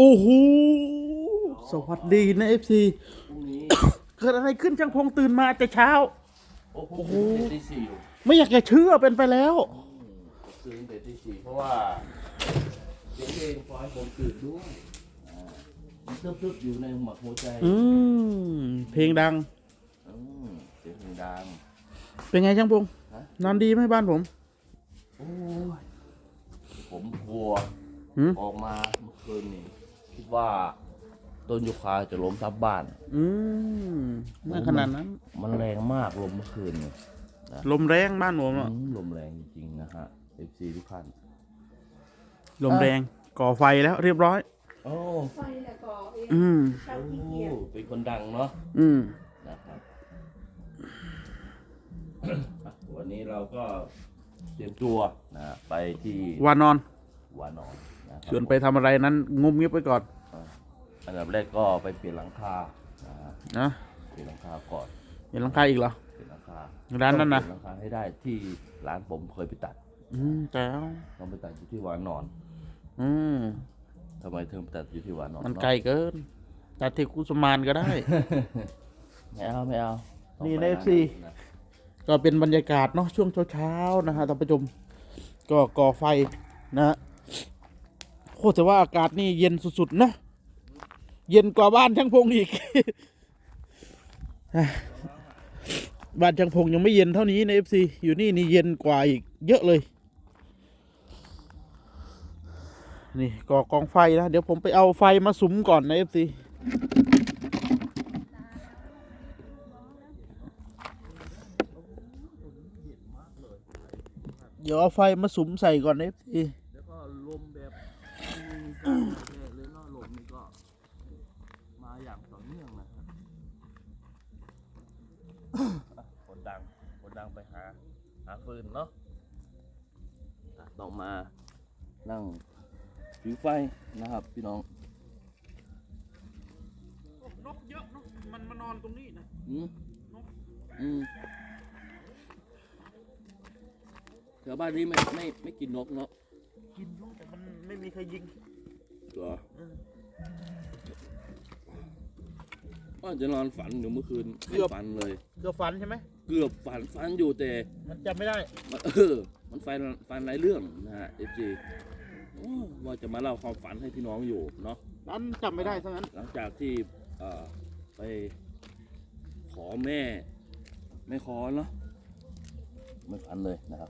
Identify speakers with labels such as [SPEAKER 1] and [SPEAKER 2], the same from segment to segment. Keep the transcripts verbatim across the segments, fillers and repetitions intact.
[SPEAKER 1] โอ้โหสวัสดีนะเอฟซี
[SPEAKER 2] พรุ่งนี้
[SPEAKER 1] เกิดอะไรขึ้นช่างพงตื่นมาแต่เช้า
[SPEAKER 2] โอ้โหตื่นตีสี่อยู่
[SPEAKER 1] ไม่อยากจะเชื่อเป็นไปแล้ว
[SPEAKER 2] ตื่นแต่ตีสี่เพราะว่าเสียงเพลงพอให้ผมตื่นด้วยอ่ามันตึ๊บๆอยู่ในหมักหัวใจ
[SPEAKER 1] อืมเพลงดัง
[SPEAKER 2] อืมเสียงเพลงดัง
[SPEAKER 1] เป็นไงช่างพง
[SPEAKER 2] ฮะ
[SPEAKER 1] นอนดีไหมบ้านผม
[SPEAKER 2] โอ้ยผมกลัว
[SPEAKER 1] หืม
[SPEAKER 2] ออกมาเมื่อคืนนี่คิดว่าต้นยูคาจะล้มทับบ้าน
[SPEAKER 1] อืมไม่ขนาดนั้น
[SPEAKER 2] มันแรงมากลมเมื่อคืนนี่นะ
[SPEAKER 1] ลมแรงบ้านผมอะ
[SPEAKER 2] อืมลมแรงจริงๆนะฮะ เอฟ ซี ทุกท่าน
[SPEAKER 1] ลมแรงก่อไฟแล้วเรียบร้อย
[SPEAKER 2] โอ้
[SPEAKER 3] ไฟแล้วก็เอง
[SPEAKER 1] อืม
[SPEAKER 3] เช่าขี้เกียจ
[SPEAKER 2] เป็นคนดังเนาะ
[SPEAKER 1] อืม
[SPEAKER 2] นะครับ วันนี้เราก็เตรียมตัวนะไปที่
[SPEAKER 1] วานอน
[SPEAKER 2] วานอนนะครับ
[SPEAKER 1] ชวนไปทำอะไรนั้นงุมเงียบไปก่อน
[SPEAKER 2] อ่าอันดับแรกก็ไปเปลี่ยนหลังคานะฮะ
[SPEAKER 1] นะ
[SPEAKER 2] เปลี่ยนหลังคาก่อน
[SPEAKER 1] เห็นหลังคาอีกเหรอ
[SPEAKER 2] เปลี่ยนหลังคา
[SPEAKER 1] ร้านนั้นนะ
[SPEAKER 2] เปลี่ยหลังคาให้ได้ที่ร้านผมเคยไปตัด
[SPEAKER 1] อืมแจ๋ว
[SPEAKER 2] ต้องไปตัดอยู่ที่วานอน
[SPEAKER 1] อืม
[SPEAKER 2] ทำไมถึงไปตัดอยู่ที่วานอน
[SPEAKER 1] มันไกลเกินตัดที่กุสมานก็ได้
[SPEAKER 2] ไม่เอาไม่เอาต้อง
[SPEAKER 1] นี่
[SPEAKER 2] ไป
[SPEAKER 1] ใน เอฟ ซี
[SPEAKER 2] นะ
[SPEAKER 1] ก็เป็นบรรยากาศเนาะช่วงเช้าๆนะฮะท่านผู้ชมก็ก่อไฟนะฮะโคตรแต่ว่าอากาศนี่เย็นสุดๆเนาะเย็นกว่าบ้านช่างพงอีก บ้านช่างพงยังไม่เย็นเท่านี้ใน เอฟ ซี อยู่นี่นี่เย็นกว่าอีกเยอะเลยนี่ก่อกองไฟนะเดี๋ยวผมไปเอาไฟมาสุมก่อนใน เอฟ ซี เดี๋ยวเอาไฟมาสุมใส่ก่อนนะพี่
[SPEAKER 2] แล้วก็ลมแบบมีเลยเนาะลมนี่ก็มาอย่างต่อเนื่องนะครับคนดังคนดังไปหาหาฟืนเนาะอ่ะต้องมานั่งผิงไฟนะครับพี่น้อง
[SPEAKER 1] นกเยอะเนาะมันมานอนตรงนี้นะ
[SPEAKER 2] อืมอืมแถวบ้านนี้ไม่ไม่ไม่กินนกเนาะ
[SPEAKER 1] กินอยู่แต่มันไม่มีใครยิง
[SPEAKER 2] เหรอว่าจะนอนฝันอยู่เมื่อคืนไม่ฝันเลย
[SPEAKER 1] เกือบฝันใช่ไหม
[SPEAKER 2] เกือบฝันฝันอยู่แต่
[SPEAKER 1] มันจำไม่ได้
[SPEAKER 2] มันเออ มันฟันฟันหลายเรื่องนะฮะเอฟจีว่าจะมาเล่าความฝันให้พี่น้องอยู่เนาะ
[SPEAKER 1] นั้นจำไม่ได้ซะงั้น
[SPEAKER 2] หลังจากที่เอ่อไปขอแม่ ไม่ขอเนาะไม่ฝันเลยนะครับ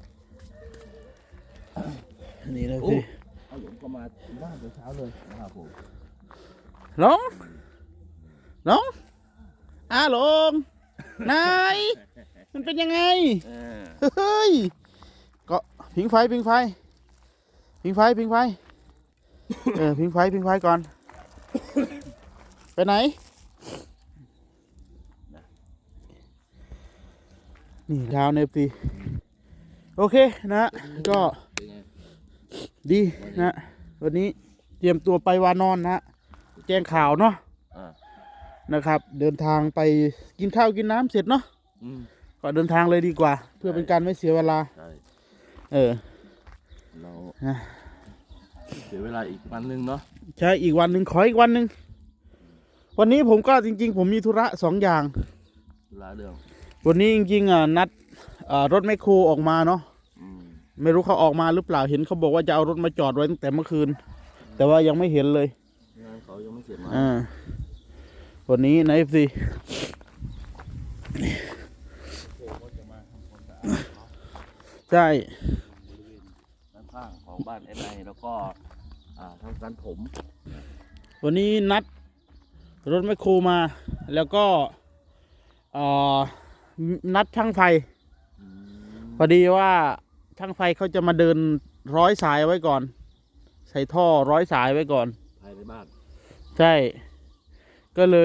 [SPEAKER 1] นี่เลย
[SPEAKER 2] โอ้
[SPEAKER 1] พี่
[SPEAKER 2] เอาหลงก็มาถึงบ้านแต่เช้าเลยนะครับผม
[SPEAKER 1] ลงลงอ้าลงนายมันเป็นยังไง
[SPEAKER 2] เออ
[SPEAKER 1] เฮ้ยก็พิงไฟพิงไฟพิงไฟพิงไฟเออพิงไฟพิงไฟก่อนไปไหนนี่ดาวเนฟซีโอเคนะก็
[SPEAKER 2] เป็นไง
[SPEAKER 1] ดีนะวันนี้เตรียมตัวไปวานอนนะแจ้งข่าวเนาะ
[SPEAKER 2] อ่า
[SPEAKER 1] นะครับ เดินทางไปกินข้าวกินน้ำเสร็จเนาะ
[SPEAKER 2] อืม
[SPEAKER 1] ก็เดินทางเลยดีกว่า เพื่อเป็นการไม่เสียเวลา
[SPEAKER 2] ใช่
[SPEAKER 1] เออ
[SPEAKER 2] เรา
[SPEAKER 1] นะ
[SPEAKER 2] เสียเวลาอีกวันหนึ่งเนาะ
[SPEAKER 1] ใช่อีกวันหนึ่งขออีกวันหนึ่งวันนี้ผมก็จริงๆ ผมมีธุระสองอย่าง
[SPEAKER 2] เวลาเรื่อง
[SPEAKER 1] วันนี้จริงๆอ่ะนัดอ่ารถแมคโครออกมาเนาะ
[SPEAKER 2] อืม
[SPEAKER 1] ไม่รู้เขาออกมาหรือเปล่าเห็นเขาบอกว่าจะเอารถมาจอดไว้ตั้งแต่เมื่อคืน แต่ว่ายังไม่เห็นเลย
[SPEAKER 2] งานเขายังไม่เสร็จมา
[SPEAKER 1] อ่าวันนี้ใน เอฟ ซี ใช่
[SPEAKER 2] ด้านข้างของบ้านเอ็นไอแล้วก็อ่าทำการถม
[SPEAKER 1] วันนี้นัดรถแมคโครมา แล้วก็เอ่อนัดช่างไฟ
[SPEAKER 2] อืม
[SPEAKER 1] พอดีว่าช่างไฟเขาจะมาเดินร้อยสายไว้ก่อน ใส่ท่อร้อยสายไว้ก่อน
[SPEAKER 2] ภายในบ้าน
[SPEAKER 1] ใช่ ก็เลย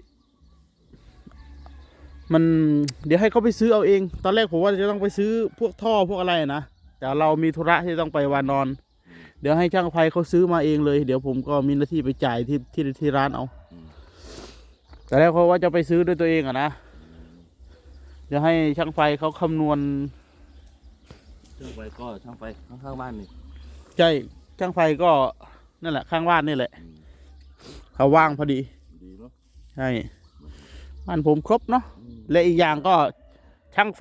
[SPEAKER 1] มันเดี๋ยวให้เขาไปซื้อเอาเอง ตอนแรกผมว่าจะต้องไปซื้อพวกท่อพวกอะไรนะแต่เรามีธุระที่ต้องไปวานอน เดี๋ยวให้ช่างไฟเขาซื้อมาเองเลย เดี๋ยวผมก็มีหน้าที่ไปจ่ายที่ที่ที่ร้านเอา
[SPEAKER 2] อืม
[SPEAKER 1] แต่แรกเขาว่าจะไปซื้อด้วยตัวเองอะนะเดี๋ยวให้ช่างไฟเขาคำนวณ
[SPEAKER 2] ช่างไฟก็ช่างไฟข้างๆบ้านนี่
[SPEAKER 1] ใช่ช่างไฟก็นั่นแหละข้างบ้านนี่แหละ
[SPEAKER 2] อืม
[SPEAKER 1] เขาว่างพอดี
[SPEAKER 2] ดีเนาะ
[SPEAKER 1] ใช่บ้านผมครบเนาะ
[SPEAKER 2] อืม
[SPEAKER 1] และอีกอย่างก็ช่างไฟ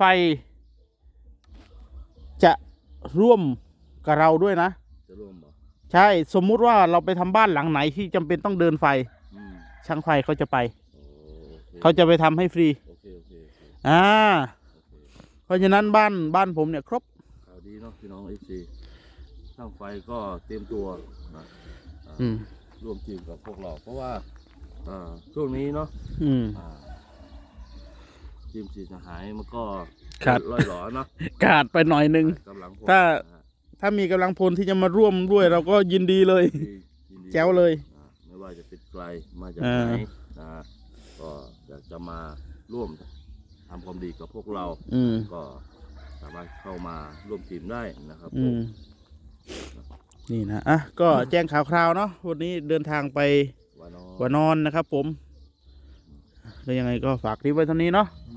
[SPEAKER 1] จะร่วมกับเราด้วยนะ
[SPEAKER 2] จะร่วมบ่
[SPEAKER 1] ใช่สมมุติว่าเราไปทำบ้านหลังไหนที่จำเป็นต้องเดินไฟ
[SPEAKER 2] อืม
[SPEAKER 1] ช่างไฟเขาจะไป
[SPEAKER 2] โอ้โอเค
[SPEAKER 1] เขาจะไปทำให้ฟรี
[SPEAKER 2] โอเคโอเคโอเค
[SPEAKER 1] อ่า
[SPEAKER 2] โอเค
[SPEAKER 1] เพราะฉะนั้นบ้านบ้านผมเนี่ยครบ
[SPEAKER 2] ข่าวดีเนาะพี่น้องเอฟซีช่างไฟก็เตรียมตัวนะอ่า
[SPEAKER 1] อืม
[SPEAKER 2] ร่วมทีมกับพวกเรา เพราะว่าอ่าช่วงนี้เนาะ
[SPEAKER 1] อืม
[SPEAKER 2] อ่าทีมสีสหายมันก็
[SPEAKER 1] ครับ
[SPEAKER 2] ลอยหลอเนาะ
[SPEAKER 1] ขาดไปหน่อยหนึ่ง
[SPEAKER 2] กำลังพล
[SPEAKER 1] ถ้า
[SPEAKER 2] นะฮะ
[SPEAKER 1] ถ้ามีกำลังพลที่จะมาร่วมด้วยเราก็ยินดีเลย
[SPEAKER 2] ยินดียินดี
[SPEAKER 1] แจ๋วเลย
[SPEAKER 2] อ่าไม่ว่าจะเป็นไกลมาจาก
[SPEAKER 1] อ่า
[SPEAKER 2] ไหนนะฮะก็อยากจะมาร่วมทำความดีกับพวกเรา
[SPEAKER 1] อืม
[SPEAKER 2] ก็สามารถเข้ามาร่วมทีมได้นะครับ
[SPEAKER 1] อื
[SPEAKER 2] ผม
[SPEAKER 1] ม นี่นะ อ่ะ ก็แจ้งข่าวคราวเนาะ วันนี้เดินทางไป
[SPEAKER 2] วานอ
[SPEAKER 1] หัวนอนนะครับผมแล้วยังไงก็ฝากคลิปไว้เท่านี้เนาะ
[SPEAKER 2] อื